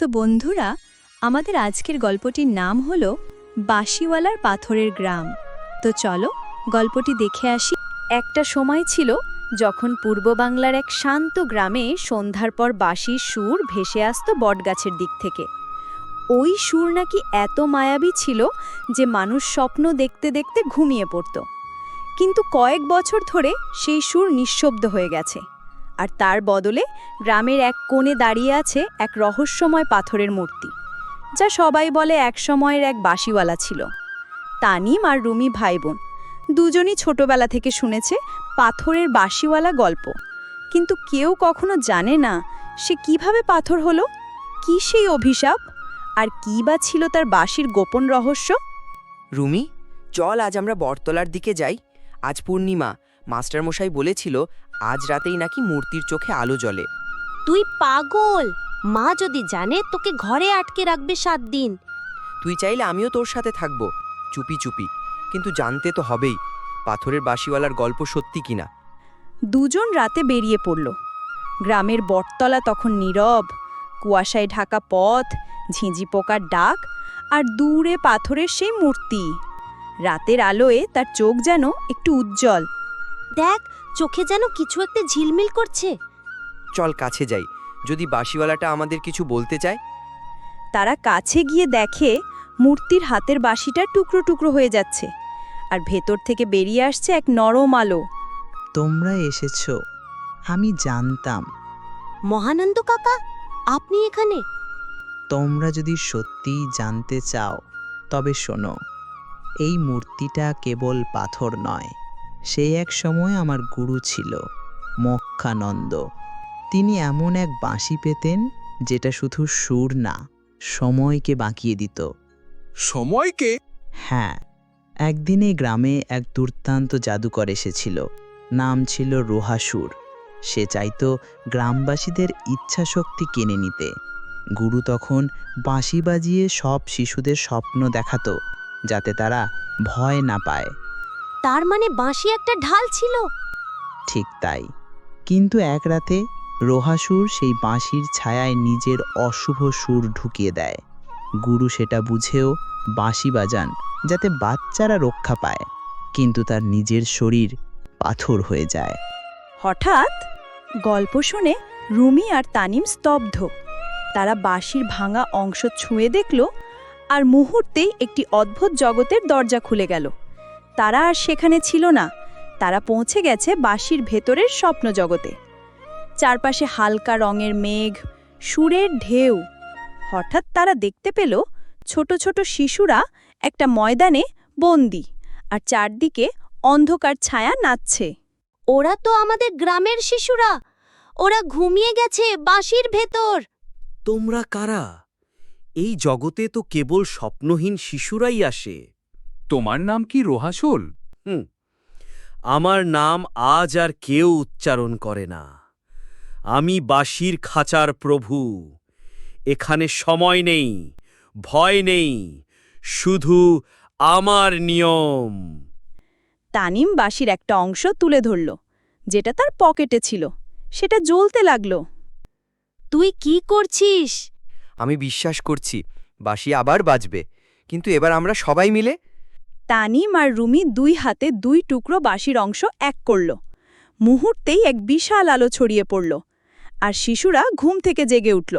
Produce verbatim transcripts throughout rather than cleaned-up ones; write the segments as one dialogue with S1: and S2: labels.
S1: তো বন্ধুরা, আমাদের আজকের গল্পটির নাম হলো বাঁশিওয়ালার পাথরের গ্রাম। তো চলো গল্পটি দেখে আসি। একটা সময় ছিল যখন পূর্ব বাংলার এক শান্ত গ্রামে সন্ধ্যার পর বাঁশির সুর ভেসে আসতো বটগাছের দিক থেকে। ওই সুর নাকি এত মায়াবী ছিল যে মানুষ স্বপ্ন দেখতে দেখতে ঘুমিয়ে পড়ত। কিন্তু কয়েক বছর ধরে সেই সুর নিঃশব্দ হয়ে গেছে, আর তার বদলে গ্রামের এক কোণে দাঁড়িয়ে আছে এক রহস্যময় পাথরের মূর্তি, যা সবাই বলে এক সময়ের এক বাঁশিওয়ালা ছিল। তানিম আর রুমি ভাই বোন দুজনই ছোটবেলা থেকে শুনেছে পাথরের বাঁশিওয়ালা গল্প, কিন্তু কেউ কখনো জানে না সে কিভাবে পাথর হলো, কি সেই অভিশাপ, আর কী বা ছিল তার বাঁশির গোপন রহস্য।
S2: রুমি, চল আজ আমরা বটতলার দিকে যাই। আজ পূর্ণিমা, মাস্টারমশাই বলেছিল আজ রাতেই নাকি মূর্তির চোখে আলো জ্বলে।
S3: তুই পাগল! মা যদি জানে তোকে ঘরে আটকে রাখবে সাত দিন।
S2: তুই চাইলে আমিও তোর সাথে থাকবো, চুপি চুপি, কিন্তু জানতে তো হবেই পাথরের বাঁশিওয়ালার গল্প সত্যি কিনা।
S1: দুজন রাতে বেরিয়ে পড়ল। গ্রামের বটতলা তখন নীরব, কুয়াশায় ঢাকা পথ, ঝিঁঝি পোকার ডাক, আর দূরে পাথরের সেই মূর্তি। রাতের আলোয় তার চোখ যেন একটু উজ্জ্বল।
S3: দেখ, চোখে যেন কিছু একটা ঝিলমিল করছে।
S2: চল কাছে যাই, যদি বাঁশিওয়ালাটা আমাদের কিছু বলতে চায়।
S1: তারা কাছে গিয়ে দেখে মূর্তির হাতের বাঁশিটা টুকরো টুকরো হয়ে যাচ্ছে, আর ভেতর থেকে বেরিয়ে আসছে এক নরম আলো।
S4: তোমরা এসেছো, আমি জানতাম।
S3: মহানন্দ কাকা, আপনি এখানে?
S4: তোমরা যদি সত্যিই জানতে চাও তবে শোনো, এই মূর্তিটা কেবল পাথর নয়, সে এক সময় আমার গুরু ছিল, মোক্ষানন্দ। তিনি এমন এক বাঁশি পেতেন যেটা শুধু সুর না, সময়কে বাঁকিয়ে দিত।
S5: সময়কে?
S4: হ্যাঁ, একদিন এই গ্রামে এক দুর্দান্ত জাদুকর এসেছিল, নাম ছিল রোহাসুর। সে চাইতো গ্রামবাসীদের ইচ্ছাশক্তি কেড়ে নিতে। গুরু তখন বাঁশি বাজিয়ে সব শিশুদের স্বপ্ন দেখাতো, যাতে তারা ভয় না পায়।
S3: তার মানে বাঁশি একটা ঢাল ছিল?
S4: ঠিক তাই, কিন্তু এক রাতে রোহাসুর সেই বাঁশির ছায়ায় নিজের অশুভ সুর ঢুকিয়ে দেয়। গুরু সেটা বুঝেও বাঁশি বাজান যাতে বাচ্চারা রক্ষা পায়, কিন্তু তার নিজের শরীর পাথর হয়ে যায়।
S1: হঠাৎ গল্প শুনে রুমি আর তানিম স্তব্ধ। তারা বাঁশির ভাঙা অংশ ছুঁয়ে দেখল, আর মুহূর্তেই একটি অদ্ভুত জগতের দরজা খুলে গেল। তারা আর সেখানে ছিল না, তারা পৌঁছে গেছে বাঁশির ভেতরের স্বপ্ন জগতে। চারপাশে হালকা রঙের মেঘ, সুরের ঢেউ। হঠাৎ তারা দেখতে পেল ছোট ছোট শিশুরা একটা ময়দানে বন্দী, আর চারদিকে অন্ধকার ছায়া নাচছে।
S3: ওরা তো আমাদের গ্রামের শিশুরা! ওরা ঘুমিয়ে গেছে বাঁশির ভেতর।
S6: তোমরা কারা? এই জগতে তো কেবল স্বপ্নহীন শিশুরাই আসে।
S5: তোমার নাম কি রোহাসুল?
S6: হুম, আমার নাম আজ আর কেউ উচ্চারণ করে না। আমি বাঁশির খাঁচার প্রভু। এখানে সময় নেই, ভয় নেই, শুধু আমার নিয়ম।
S1: তানিম বাঁশির একটা অংশ তুলে ধরল, যেটা তার পকেটে ছিল। সেটা জ্বলতে লাগলো।
S3: তুই কি করছিস?
S2: আমি বিশ্বাস করছি বাঁশি আবার বাজবে, কিন্তু এবার আমরা সবাই মিলে।
S1: তানিম আর রুমি দুই হাতে দুই টুকরো বাঁশির অংশ এক করল। মুহূর্তেই এক বিশাল আলো ছড়িয়ে পড়ল, আর শিশুরা ঘুম থেকে জেগে উঠল।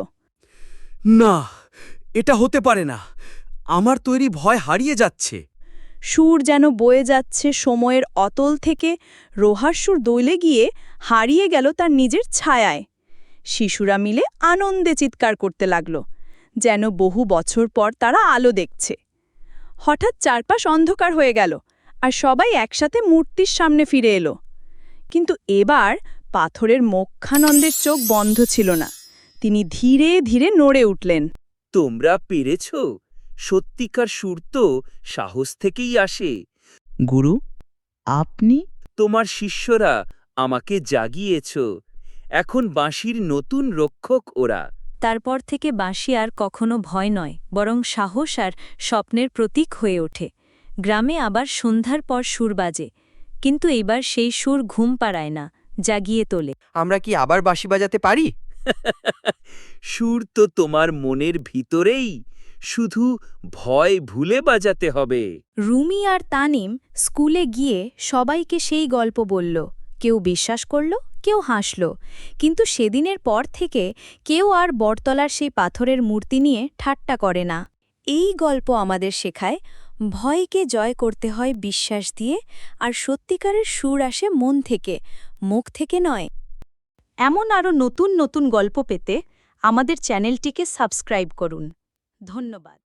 S6: না, এটা হতে পারে না। আমার তৈরি ভয় হারিয়ে যাচ্ছে।
S1: সুর যেন বয়ে যাচ্ছে সময়ের অতল থেকে, রোহার সুর দৌলে গিয়ে হারিয়ে গেল তার নিজের ছায়ায়। শিশুরা মিলে আনন্দে চিৎকার করতে লাগল, যেন বহু বছর পর তারা আলো দেখছে। হঠাৎ চারপাশ অন্ধকার হয়ে গেল, আর সবাই একসাথে মূর্তির সামনে ফিরে এলো। কিন্তু এবার পাথরের মোক্ষানন্দের চোখ বন্ধ ছিল না। তিনি ধীরে ধীরে নড়ে উঠলেন।
S6: তোমরা পেরেছ? সত্যিকার সুর তো সাহস থেকেই আসে।
S4: গুরু, আপনি?
S6: তোমার শিষ্যরা আমাকে জাগিয়েছ। এখন বাঁশির নতুন রক্ষক ওরা।
S7: তারপর থেকে বাঁশি আর কখনো ভয় নয়, বরং সাহস আর স্বপ্নের প্রতীক হয়ে ওঠে। গ্রামে আবার সন্ধ্যার পর সুর বাজে, কিন্তু এবার সেই সুর ঘুম পাড়ায় না, জাগিয়ে তোলে।
S2: আমরা কি আবার বাঁশি বাজাতে পারি?
S6: সুর তো তোমার মনের ভিতরেই, শুধু ভয় ভুলে বাজাতে হবে।
S7: রুমি আর তানিম স্কুলে গিয়ে সবাইকে সেই গল্প বলল। কেউ বিশ্বাস করল, কেউ হাসল, কিন্তু সেদিনের পর থেকে কেউ আর বটতলার সেই পাথরের মূর্তি নিয়ে ঠাট্টা করে না। এই গল্প আমাদের শেখায় ভয়কে জয় করতে হয় বিশ্বাস দিয়ে, আর সত্যিকারের সুর আসে মন থেকে, মুখ থেকে নয়। এমন আরও নতুন নতুন গল্প পেতে আমাদের চ্যানেলটিকে সাবস্ক্রাইব করুন। ধন্যবাদ।